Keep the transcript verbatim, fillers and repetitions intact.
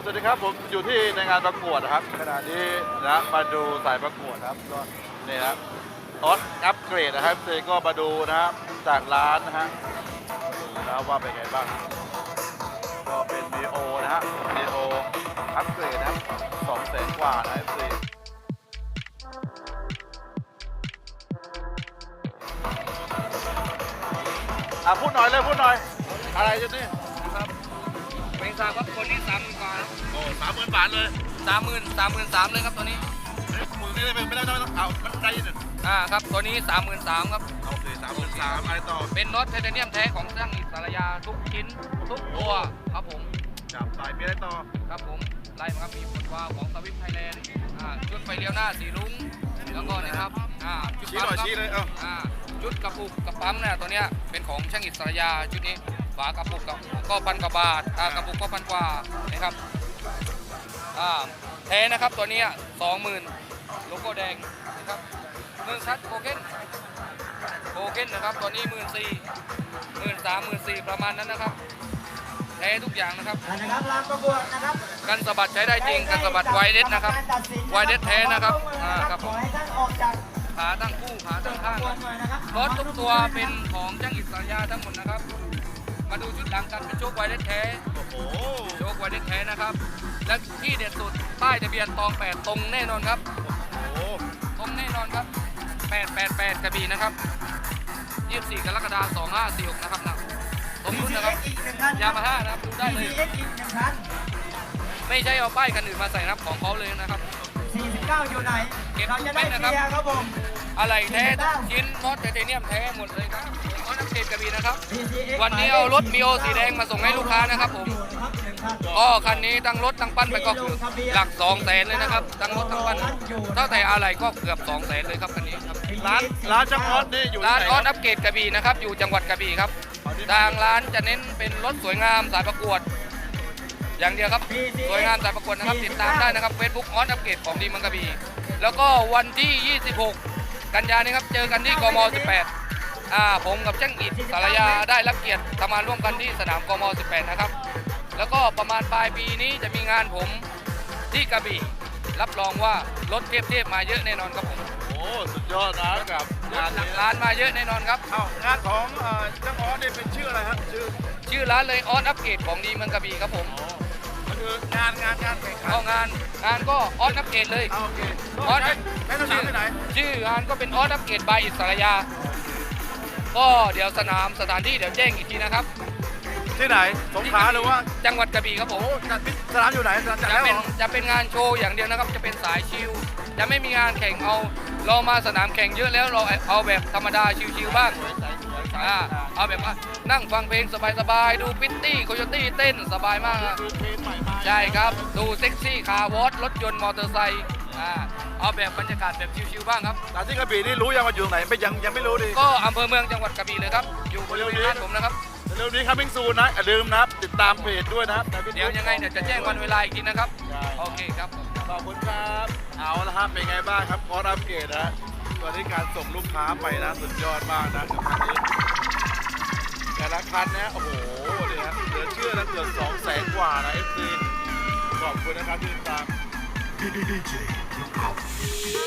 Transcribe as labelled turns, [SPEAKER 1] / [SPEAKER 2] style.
[SPEAKER 1] สวัสดีครับผมอยู่ที่ในงานประกวดนะครับขณะนี้นะมาดูสายประกวดครับก็นี่ครับออสอัปเกรดนะครับเซก็มาดูนะครับจากร้านนะฮะดูนะว่าเป็นไงบ้างก็เป็นมีโอนะฮะมีโออัปเกรดนะครับสองแสนกว่านะเซอ่ะพูดหน่อยเลยพูดหน่อยอะไรจะนี่
[SPEAKER 2] ครับเป็นทราบครับคนนี้สามหมื่นกว่า
[SPEAKER 1] โอ้สามหมื่นบาทเลย
[SPEAKER 2] สามหมื่นสามหมื่นสามเลยครับตัวนี้
[SPEAKER 1] เฮ้ยมือนี่ไม่ได้ไม่ได้ไม่ต้องเอามันได้ยิน
[SPEAKER 2] อ่าครับตัวนี้สามหมื่นสามครับ
[SPEAKER 1] โอเคสามหมื่นสามอะไรต่อ
[SPEAKER 2] เป็นน็อตไทเทเนียมแท้ของช่างอิสระยาทุกชิ้นทุกตัวครับผม
[SPEAKER 1] จับสายมีอะไรต่อ
[SPEAKER 2] ครับผมไล่มาครับมีผลวาล์วของสวิฟไทยแลนด์อ่าชุดไฟเลี้ยวหน้าสีรุ้งแล้วก็นะครับอ่าชุด
[SPEAKER 1] ชี้หน่อย
[SPEAKER 2] ปั๊ม
[SPEAKER 1] ชี้เลยเอ้า
[SPEAKER 2] อ่าชุดกระปุกกระปั๊มเนี่ยตัวเนี้ยเป็นของช่างอิสระยาชุดนี้ฝากระปุกกับก็พันกว่าบาทอ่ากระปุกก็พันกว่านะครับอ่าแท้นะครับตัวเนี้ยสองหมื่นโลโก้แดงนะครับมือคัดโคเก้นโคเก้นนะครับตัวนี้หมื่นสี่หมื่นสามหมื่นสี่ประมาณนั้นนะครับแท้ทุกอย่างนะครับ
[SPEAKER 3] นะครับลานประกวดนะครับ
[SPEAKER 2] กันสะบัดใช้ได้จริงกันสะบัดไวเด็ดนะครับไวเด็ดแท้นะครับอ่าครับ
[SPEAKER 3] ข
[SPEAKER 2] ผ
[SPEAKER 3] อ
[SPEAKER 2] ม
[SPEAKER 3] ให้ท่านออกจาก
[SPEAKER 2] ขาตั้งคู่ขาตั้งข้าง
[SPEAKER 3] ประกวดหน่อยนะครับ
[SPEAKER 2] รถทุกตัวเป็นของช่างอิสระยาทั้งหมดนะครับ มาดูชุดหลังกันเป็นโชคไวเด็ดแท้
[SPEAKER 1] โอ้โห
[SPEAKER 2] โชคไวเด็ดแท้นะครับและที่เด็ดสุดป้ายทะเบียนตองแปดตรงแน่นอนครับ
[SPEAKER 1] โอ้โห
[SPEAKER 2] ตรงแน่นอนครับแปดแปดแปดกระบี่นะครับยี่สิบสี่กรกฎาคมสองห้าสี่หกนะครับนะตรงนู้นนะครับ
[SPEAKER 3] อีกหนึ่งคัน
[SPEAKER 2] ยามาฮ่านะครับดูได้เลย
[SPEAKER 3] ที ซี เอ็กซ์ อีกหนึ่งคัน
[SPEAKER 2] ไม่ใช่เอาป้ายคันอื่นมาใส่นะครับของเขาเลยนะครับ
[SPEAKER 3] สี่สิบเก้าอยู่ไหน
[SPEAKER 2] เก็บ
[SPEAKER 3] เราจะได้
[SPEAKER 2] ไว้
[SPEAKER 3] เค
[SPEAKER 2] นะครับ
[SPEAKER 3] ลียร์ครับผม
[SPEAKER 2] อะไรแท้ทุกชิ้นมอสไทเทเนียมแท้หมดเลยครับมอสน้ำเกรดกระบี่นะครับ
[SPEAKER 3] ที ซี เอ็กซ์
[SPEAKER 2] วันนี้เอารถมีโอสีแดงมาส่งให้ลูกค้านะครับผม
[SPEAKER 3] อยู่นะครับหนึ่งคัน
[SPEAKER 2] ก็คันนี้ตั้งรถตั้งปั้นไปก็คือหลักสองแสนเลยนะครับตั้งรถตั้งปั้นเท่าแต่อะไรก็เกือบสองแสนเลยครับคันนี้ครับ
[SPEAKER 1] ร้านร้านช่างออสนี่อยู่
[SPEAKER 2] ร้าน
[SPEAKER 1] ที่
[SPEAKER 2] ออส
[SPEAKER 1] ไห
[SPEAKER 2] อัปเกรดกระบี่นะครับอยู่จังหวัดกระบี่ครับทางร้านจะเน้นเป็นรถสวยงามสายประกวด อย่างเดียวครับสวยงามสายประกวดนะครับติดตามได้นะครับเฟซบุ๊กออสอัปเกรดของดีเมืองกระบี่แล้วก็วันที่ ยี่สิบหก กันยายนนี้ครับเจอกันที่กม สิบแปดอ่าผมกับช่างอิฐสารยาได้รับเกียรติทำงานร่วมกันที่สนามกม สิบแปดนะครับแล้วก็ประมาณปลายปีนี้จะมีงานผมที่กระบี่รับรองว่ารถเทพๆมาเยอะแน่นอนครับผม
[SPEAKER 1] โอ้สุดยอดนะกับงาน
[SPEAKER 2] หลั
[SPEAKER 1] นี้
[SPEAKER 2] กล้านมาเยอะแน่นอนครับ
[SPEAKER 1] เอ้างานของเอ่อช่างออสนี่เป็นชื่ออะไรครับชื่อ
[SPEAKER 2] ชื่อร้านเลยออสอัปเกรดของดีเมืองกระบี่ครับผม
[SPEAKER 1] อ๋อก็คืองานงานงานแข่งขัน
[SPEAKER 2] เข้างานงานก็ออสอัปเกรดเลย
[SPEAKER 1] เอาโอเค
[SPEAKER 2] ออส
[SPEAKER 1] ใช้ใช้สนามที่ไหน
[SPEAKER 2] ชื่องานก็เป็นออสอัปเกรดบายอิสระยา ก็เดี๋ยวสนามสถานที่เดี๋ยวแจ้งอีกทีนะครับ
[SPEAKER 1] ที่ไหนสงขลาหรือว่า
[SPEAKER 2] จังหวัดกระบี่ครับผม
[SPEAKER 1] โอ้จัดสนามอยู่ไหนสนามจัด
[SPEAKER 2] จะ
[SPEAKER 1] แล้วเห
[SPEAKER 2] เป็
[SPEAKER 1] ร
[SPEAKER 2] น
[SPEAKER 1] อ
[SPEAKER 2] จะเป็นงานโชว์อย่างเดียวนะครับ จะเป็นสายชิลจะไม่มีงานแข่งเอาเรามาสนามแข่งเยอะแล้วเราเอาแบบธรรมดาชิลๆบ้างอ่าเอาแบบว่านั่งฟังเพลงสบายๆดูพิตตี้โคโยตี้เต้นสบายมากครับ
[SPEAKER 1] คือเพลงใหม่มา
[SPEAKER 2] ใช่ครับดูเซ็กซี่คาร์วอชรถยนต์มอเตอร์ไซค์อ่าเอาแบบบรรยากาศแบบชิลๆบ้างครับ
[SPEAKER 1] แต่ที่กระบี่นี่รู้ยังว่าอยู่ไหนไม่ยังยังไม่รู้ดิ
[SPEAKER 2] ก็อำเภอเมืองจังหวัดกระบี่เลยครับอยู่บริเวณร้านผมนะครับ
[SPEAKER 1] เร็วนี้ครับพิงซูนะอย่าลืมนะครับติดตามเพจด้วยนะครับ
[SPEAKER 2] เดี๋ยวยังไงเดี๋ยวจะแจ้งวันเวลาอีกทีนะครับ
[SPEAKER 1] ใช่
[SPEAKER 2] โอเคครับผม
[SPEAKER 1] ขอบคุณครับเอาละครับเป็นไงบ้างครับออสอัปเกรดนะวันนี้การส่งลูกค้าไปนะสุดยอดมากนะกับคันนี้แต่ละคันนะโอ้โหเนี่ยนะเหลือเชื่อนะเกือบสองแสนกว่านะเอฟซีขอบคุณนะครับที่ติดตาม